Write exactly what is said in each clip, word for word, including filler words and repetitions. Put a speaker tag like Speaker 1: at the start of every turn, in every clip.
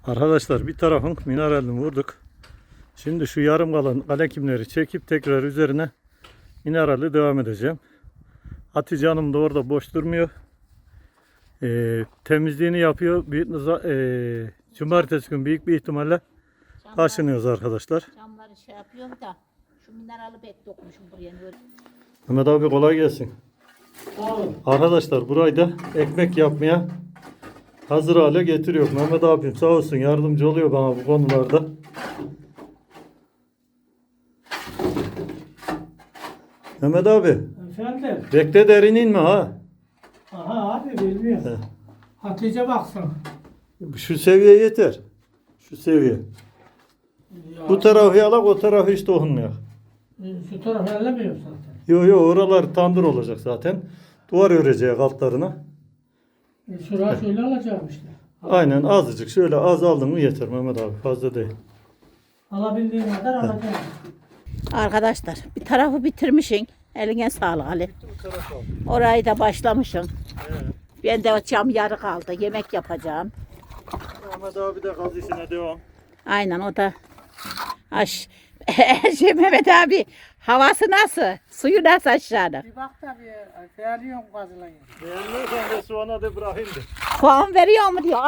Speaker 1: Arkadaşlar bir tarafın mineralini vurduk. Şimdi şu yarım kalan kalekimleri çekip tekrar üzerine minerali devam edeceğim. Hatice Hanım da orada boş durmuyor. Ee, temizliğini yapıyor. Bir, e, cumartesi gün büyük bir ihtimalle
Speaker 2: Camlar,
Speaker 1: taşınıyoruz arkadaşlar.
Speaker 2: camları şey yapıyorum da şu minerali pek dokmuşum buraya. Böyle.
Speaker 1: Mehmet abi kolay gelsin.
Speaker 3: Sağ olun.
Speaker 1: Arkadaşlar burayı da ekmek yapmaya hazır hale getiriyor. Mehmet abim sağ olsun yardımcı oluyor bana bu konularda. Mehmet abi
Speaker 3: Efendim?
Speaker 1: bekle derin inme ha.
Speaker 3: Aha abi bilmiyorum.
Speaker 1: He.
Speaker 3: Hatice baksın.
Speaker 1: Şu seviye yeter. Şu seviye.
Speaker 3: Ya,
Speaker 1: Bu tarafı yalak o tarafı hiç dokunmuyor.
Speaker 3: Şu taraf ellemiyor zaten.
Speaker 1: Yo yo oralar tandır olacak zaten. Duvar öreceğiz altlarına.
Speaker 3: E, şurayı şöyle alacağım işte.
Speaker 1: Aynen azıcık şöyle az aldın mı yeter Mehmet abi fazla değil.
Speaker 3: Alabildiğim kadar alacağım.
Speaker 2: Arkadaşlar bir tarafı bitirmişsin. Eline sağlık Ali. Orayı da başlamışım. Ben de cam yarı kaldı. Yemek yapacağım.
Speaker 1: Mehmet abi de gaz işine devam.
Speaker 2: Aynen o da. Aş. şey Mehmet abi havası nasıl? Suyu nasıl aşağıda?
Speaker 3: Bir bak tabii. Değerliyorum gazılayı.
Speaker 1: Beğenmiyorsan de soğana de bırakayım de.
Speaker 2: Puan veriyor mu diyor. Ha?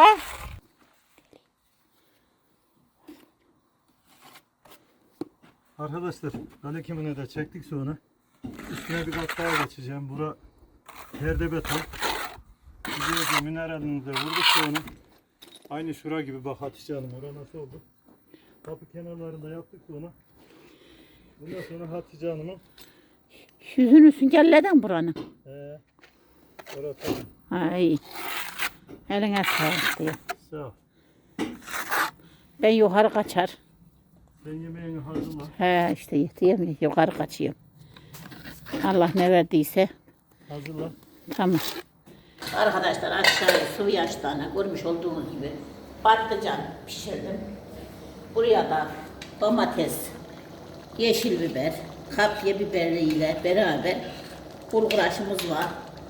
Speaker 1: Arkadaşlar kalekimini de çektik sonra. Üstüne bir kat daha geçeceğim. Bura perde beton. Güzelce mineralini de vurduk sonra. Aynı şura gibi bak Hatice Hanım orada nasıl oldu. Kapı kenarlarında yaptık sonra. Bundan sonra Hatice Hanım'ın
Speaker 2: Yüzünü süngerleden buranın.
Speaker 1: ee, orası
Speaker 2: Ay. Eline sağlık diyor.
Speaker 1: sağ ol.
Speaker 2: Ben yukarı kaçar.
Speaker 1: Sen yemeğini hazırla.
Speaker 2: He işte yetiyemiyor. Yukarı kaçıyorum. Allah ne verdiyse.
Speaker 1: Hazırla.
Speaker 2: Tamam. Arkadaşlar aşağıya sıvı yaş tane görmüş olduğunuz gibi patlıcan pişirdim. Buraya da domates, yeşil biber, kapya biberiyle beraber bulgur aşımız var.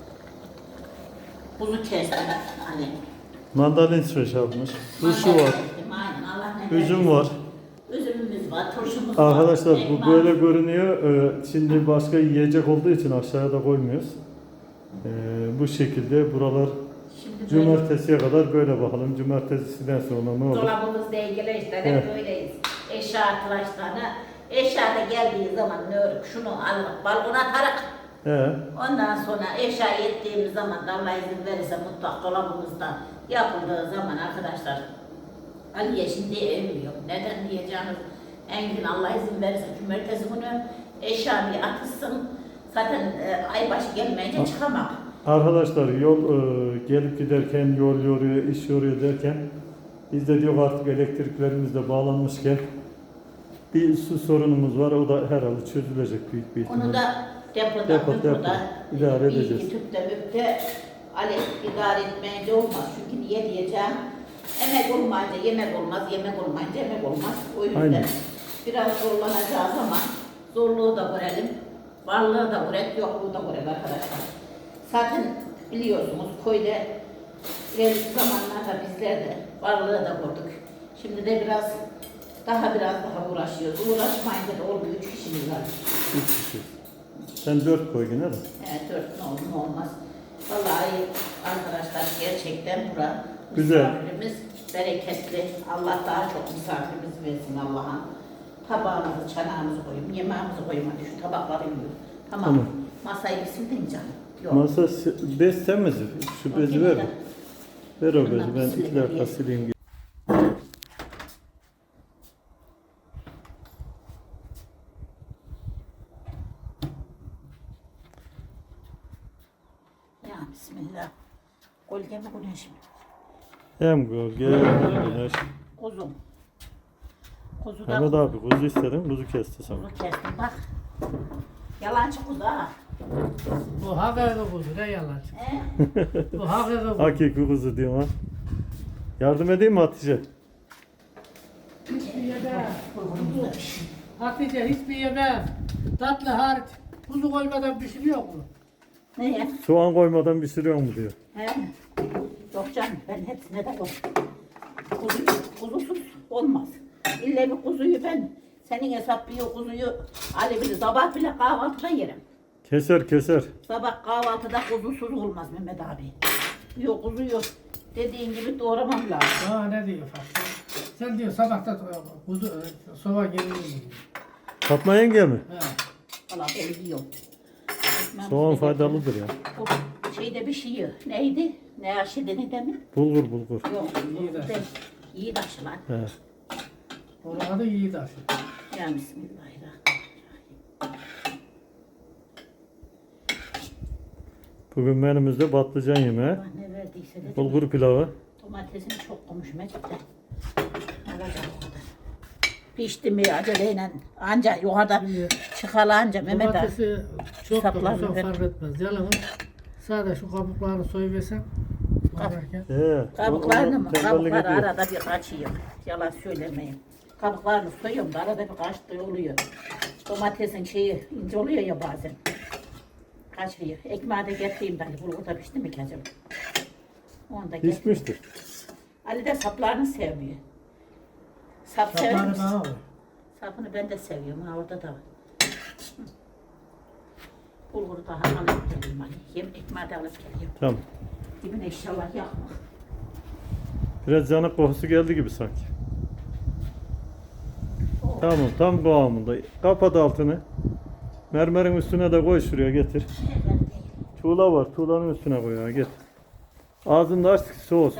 Speaker 2: Buzu kestim. Hani.
Speaker 1: Mandalin süreç yapmış. Turşu var.
Speaker 2: Aynen, Allah ne
Speaker 1: Üzüm
Speaker 2: verdiyse.
Speaker 1: var.
Speaker 2: Üzümümüz var, turşumuz var.
Speaker 1: Arkadaşlar bu
Speaker 2: ekmek
Speaker 1: böyle
Speaker 2: var.
Speaker 1: görünüyor. Ee, Şimdi başka yiyecek olduğu için aşağıya da koymuyoruz. Ee, Bu şekilde buralar
Speaker 2: Şimdi böyle
Speaker 1: cumartesiye kadar böyle bakalım. Cumartesiden sonra ne olur?
Speaker 2: dolabımız dengeli işte hep
Speaker 1: Evet.
Speaker 2: böyleyiz. Eşya arkadaşlarına eşya da geldiği zaman ne örük şunu alıp balkona atarık.
Speaker 1: He.
Speaker 2: Ondan sonra eşya ettiğimiz zaman da Allah izin verirse mutfak dolabımızda yapıldığı zaman arkadaşlar Aliye şimdi evmiyor. Neden diyeceğiniz Engin Allah izin verirse cumartesi günü eşya bir atılsın. Zaten e, aybaşı gelmeyince çıkamak.
Speaker 1: Arkadaşlar yol e, gelip giderken yol yoruyor, iş yoruyor derken biz de diyor artık elektriklerimiz de bağlanmışken bir su sorunumuz var. O da herhalde çözülecek büyük bir ihtimalle.
Speaker 2: Onu da depoda,
Speaker 1: Depo,
Speaker 2: depoda,
Speaker 1: depo. İdare edeceğiz.
Speaker 2: İyi, tüpte, müpte Ali idare etmeyince olmaz. Çünkü niye diyeceğim? Emek olmayınca yemek olmaz, yemek olmayınca emek olmaz. O yüzden
Speaker 1: Aynen.
Speaker 2: biraz zorlanacağız ama zorluğu da görelim. Varlığı da görelim, yokluğu da görelim arkadaşlar. Zaten biliyorsunuz köyde ileriki zamanlarda bizler de varlığı da gördük. Şimdi de biraz daha biraz daha uğraşıyoruz. Uğraşmayınca da olmuyor. Üç kişimiz var.
Speaker 1: Üç kişi. Sen dört koy yine de.
Speaker 2: Evet, dört ne olur ne olmaz. Vallahi arkadaşlar gerçekten bura
Speaker 1: Güzel.
Speaker 2: misafirimiz bereketli. Allah daha çok misafirimiz versin Allah'a. Tabağımızı, çanağımızı koyayım, yemeğimizi koyayım. Hadi şu tabakları yiyor. Tamam.
Speaker 1: Tamam.
Speaker 2: Masayı bir sildin canım. Yok.
Speaker 1: Masa se- bez sen mi? Şu bezi ver. Ver o bezi.
Speaker 2: Bundan
Speaker 1: Ben
Speaker 2: silelim,
Speaker 1: iki dakika
Speaker 2: ye.
Speaker 1: sileyim.
Speaker 2: Ya bismillah. Gölge mi güneş mi?
Speaker 1: Hem gölge hem güneş.
Speaker 2: Kuzum. Kuzu da
Speaker 1: Mehmet abi kuzu istedin, kuzu kesti sana.
Speaker 2: kuzu kestim bak. Yalancı kuzu ha.
Speaker 3: Bu hakiki kuzu ne yalan.
Speaker 2: He?
Speaker 3: Bu hakiki kuzu.
Speaker 1: Hakiki kuzu diyorum ha. Yardım edeyim mi Hatice?
Speaker 3: Hiçbir yemem. Hatice hiçbir yemem. Tatlı hariç. Kuzu koymadan pişiriyor mu?
Speaker 2: Ne ya?
Speaker 1: Soğan koymadan pişiriyor mu diyor.
Speaker 2: He? Yok canım ben hepsine de koydum. Kuzu, kuzusuz olmaz. İlle bir kuzuyu ben, senin hesap bir kuzuyu Ali bilir. Sabah bile kahvaltıda yerim.
Speaker 1: Keser keser.
Speaker 2: Sabah kahvaltıda kuzusuz olmaz Mehmet abi. Yok kuzu yok. Dediğin gibi doğramam lazım.
Speaker 3: Ha ne diyor Fatma? Sen diyor sabahta kuzu e, sova geliyor diyor.
Speaker 1: Fatma yenge mi?
Speaker 3: Ha.
Speaker 2: Valla ben yiyorum. Ekmeğimizi
Speaker 1: Soğan
Speaker 2: de-
Speaker 1: faydalıdır ya.
Speaker 2: Bu şeyde bir şey yiyor. Neydi? Ne aşıdığını demin?
Speaker 1: Bulgur bulgur.
Speaker 2: Yok.
Speaker 3: İyi de.
Speaker 2: Ben iyi taşılar.
Speaker 1: He.
Speaker 3: Onun adı Yiğidaş.
Speaker 2: Ya Bismillahirrahmanirrahim.
Speaker 1: Bugün menümüzde patlıcan yemeği,
Speaker 2: Allah ne verdiyse dedim.
Speaker 1: bulgur pilavı.
Speaker 2: Domatesini çok koymuş Mecit'ten. Alacak o kadar. Pişti mi aceleyle anca yukarıda
Speaker 3: Şimdi
Speaker 2: çıkalanca Mehmet abi.
Speaker 3: Domatesi çok da
Speaker 2: Saplar
Speaker 3: olsa
Speaker 2: mı?
Speaker 3: fark etmez. Yalnız sadece şu kabuklarını soyuversen bakarken.
Speaker 1: He.
Speaker 2: Kabuklarını mı?
Speaker 1: Tembellik
Speaker 2: Kabukları
Speaker 1: ediyor.
Speaker 2: arada bir kaçıyor. Yalan söylemeyin. Kabuklarını soyuyorum da arada bir kaçtığı oluyor. Domatesin şeyi ince oluyor ya bazen. Kaçıyor. Ekmeği de getireyim ben. Bulgur da pişti mi ki acaba? Onu da getir.
Speaker 1: Pişmiştir.
Speaker 2: Ali de saplarını sevmiyor. Sap sever
Speaker 3: Sapları
Speaker 2: misin?
Speaker 3: bana var.
Speaker 2: Sapını ben de seviyorum. Ha orada da var. Hı. Bulguru daha alıp geleyim Ali. Yem ekmeği de alıp geleyim.
Speaker 1: Tamam.
Speaker 2: Dibine inşallah yakma.
Speaker 1: Biraz yanık kokusu geldi gibi sanki. Tamam tam kıvamında. Kapat altını. Mermerin üstüne de koy şuraya getir. Tuğla var. Tuğlanın üstüne koy ya getir. Ağzını da aç soğusun.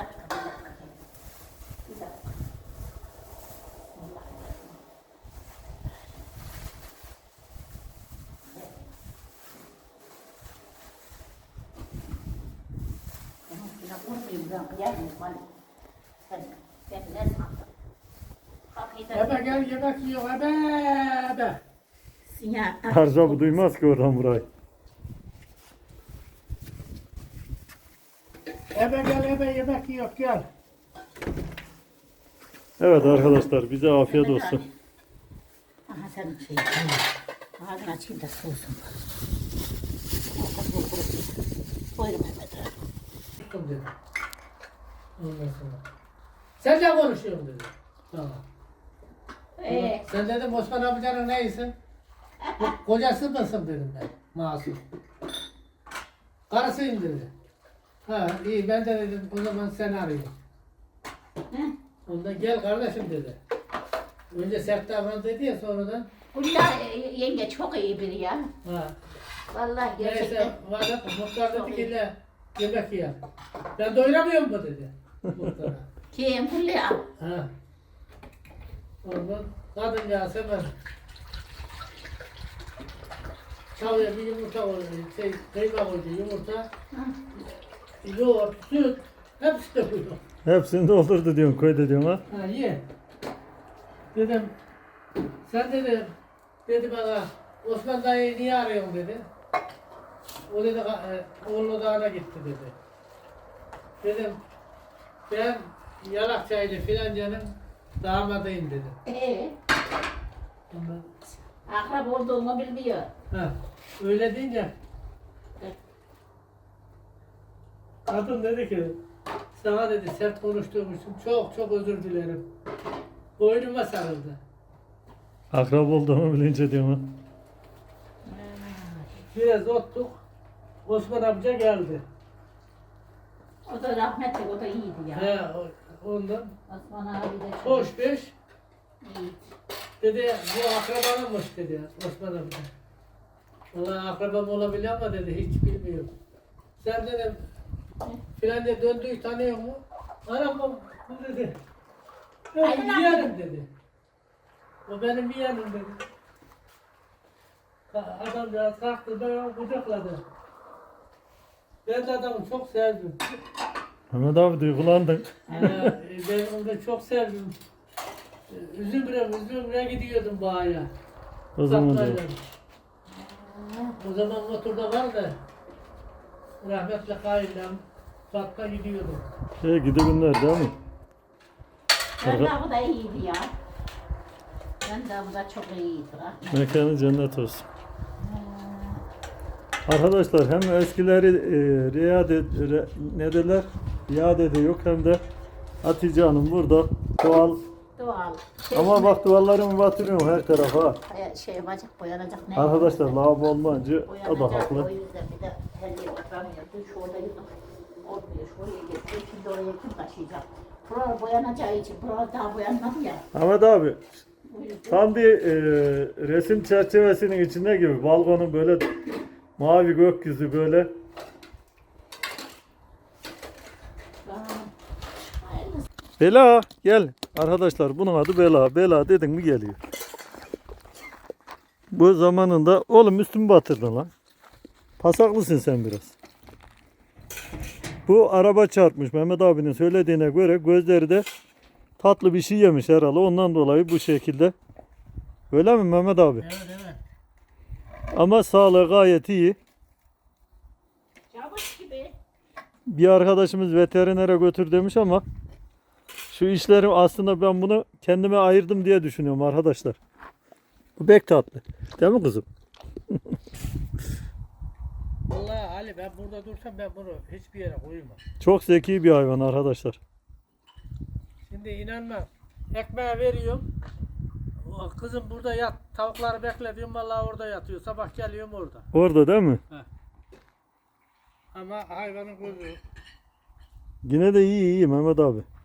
Speaker 3: Ebe gel yemek yiyor. Ebe ebe.
Speaker 2: Sinya.
Speaker 1: Harca bu duymaz ki oradan burayı.
Speaker 3: Ebe gel ebe yemek yiyor gel.
Speaker 1: Evet arkadaşlar bize afiyet olsun.
Speaker 2: Aha senin şey. Ağzını açayım da soğusun. Buyurun Mehmet abi.
Speaker 3: Çıktım dedi. Ondan sonra. Sen ne konuşuyorsun dedi. Tamam.
Speaker 2: Ee,
Speaker 3: Sen dedim Osman amcanın neysin? Ko- Kocası mısın dedim ben. Masum. Karısıyım dedi. Ha iyi ben de dedim o zaman sen arayayım.
Speaker 2: hı?
Speaker 3: Ondan gel kardeşim dedi. Önce sert davran dedi ya sonradan.
Speaker 2: Ulla e, yenge çok iyi biri ya.
Speaker 3: Ha.
Speaker 2: Vallahi
Speaker 3: Neyse
Speaker 2: gerçekten.
Speaker 3: vardı muhtar dedi ki "Le, yemek ye. Ben doyuramıyorum mu dedi. Muhtara.
Speaker 2: Kim Fulya?
Speaker 3: Ha. Ondan kadıncağız hemen çalıya bir yumurta koydu, şey, kıyma koydu, yumurta, yoğurt, süt, hepsi de koydu.
Speaker 1: Hepsini doldurdu diyorsun köyde diyorsun ha.
Speaker 3: Ha ye. Dedim, sen dedi, dedi bana, Osman dayıyı niye arıyorsun dedi. O dedi, e, oğlu dağına gitti dedi. Dedim, ben Yalakçaylı filancanın damadıyım dedi.
Speaker 2: Ee,
Speaker 3: Ondan,
Speaker 2: akrab olduğumu bilmiyor.
Speaker 3: ha, öyle deyince kadın dedi ki, sana dedi sert konuştuğum için çok çok özür dilerim. Boynuma sarıldı.
Speaker 1: Akrab olduğumu bilince diyorsun ha.
Speaker 3: Biraz ottuk, Osman amca geldi.
Speaker 2: O da rahmetli, o da iyiydi ya.
Speaker 3: He, o- ondan
Speaker 2: Osman abi de çok
Speaker 3: hoş beş
Speaker 2: iyiydi.
Speaker 3: dedi, bu akrabanınmış dedi Osman amca. Vallahi akrabam olabilir ama dedi, hiç bilmiyorum. Sen dedim, filanca döndüğü tanıyor mu? Anam bu dedi. Ben
Speaker 2: Aynen.
Speaker 3: yeğenim dedi. O benim yeğenim dedi. Ka- Adamcağız kalktı, ben onu kucakladı. Ben de adamı çok sevdim.
Speaker 1: Mehmet abi duygulandın.
Speaker 3: Ee, ben onu da çok sevdim. Ee, Üzümre, üzümre gidiyordum bağaya.
Speaker 1: O zaman
Speaker 3: Uzaklardan.
Speaker 1: diyor.
Speaker 3: O zaman motorda var da rahmetli kayınlam Fatma gidiyordum.
Speaker 1: Şey gidi günler değil mi?
Speaker 2: Ben de bu da iyiydi ya. Ben de bu da çok iyiydi. rahmetli.
Speaker 1: Mekanı cennet olsun. Arkadaşlar hem eskileri e, riad et, re, ne derler? Yad ediyor hem de Hatice Hanım burada doğal.
Speaker 2: Doğal.
Speaker 1: Ama bak duvarlarımı batırıyorum her tarafa.
Speaker 2: Şey, şey yapacak, boyanacak ne?
Speaker 1: Arkadaşlar lavabo olmayınca o da
Speaker 2: Boyanacak,
Speaker 1: haklı.
Speaker 2: o yüzden bir de her yere oturamıyordu. Şu orada olmuyor, şuraya getiriyor. Şimdi oraya kim taşıyacak? Buralar boyanacağı için, buralar daha boyanmadı ya.
Speaker 1: Ahmet abi
Speaker 2: O yüzden
Speaker 1: tam bir e, resim çerçevesinin içinde gibi balkonun böyle mavi gökyüzü böyle.
Speaker 2: Aa, hayırlısı.
Speaker 1: Bela gel. Arkadaşlar bunun adı Bela. Bela dedin mi geliyor. Bu zamanında oğlum üstümü batırdın lan. Pasaklısın sen biraz. Bu araba çarpmış Mehmet abinin söylediğine göre gözleri de tatlı bir şey yemiş herhalde. Ondan dolayı bu şekilde. Öyle mi Mehmet abi?
Speaker 3: Evet evet.
Speaker 1: Ama sağlığı gayet iyi.
Speaker 2: Çavuş gibi.
Speaker 1: Bir arkadaşımız veterinere götür demiş ama şu işlerim aslında ben bunu kendime ayırdım diye düşünüyorum arkadaşlar. Bu pek tatlı. Değil mi kızım?
Speaker 3: Vallahi Ali ben burada dursam ben bunu hiçbir yere koymam.
Speaker 1: Çok zeki bir hayvan arkadaşlar.
Speaker 3: Şimdi inanma. Ekmeği veriyorum. O kızım burada yat. Tavukları bekle diyorum. Vallahi orada yatıyor. Sabah geliyorum orada.
Speaker 1: Orada değil mi?
Speaker 3: Ama hayvanın gözü.
Speaker 1: Yine de iyi iyi Mehmet abi.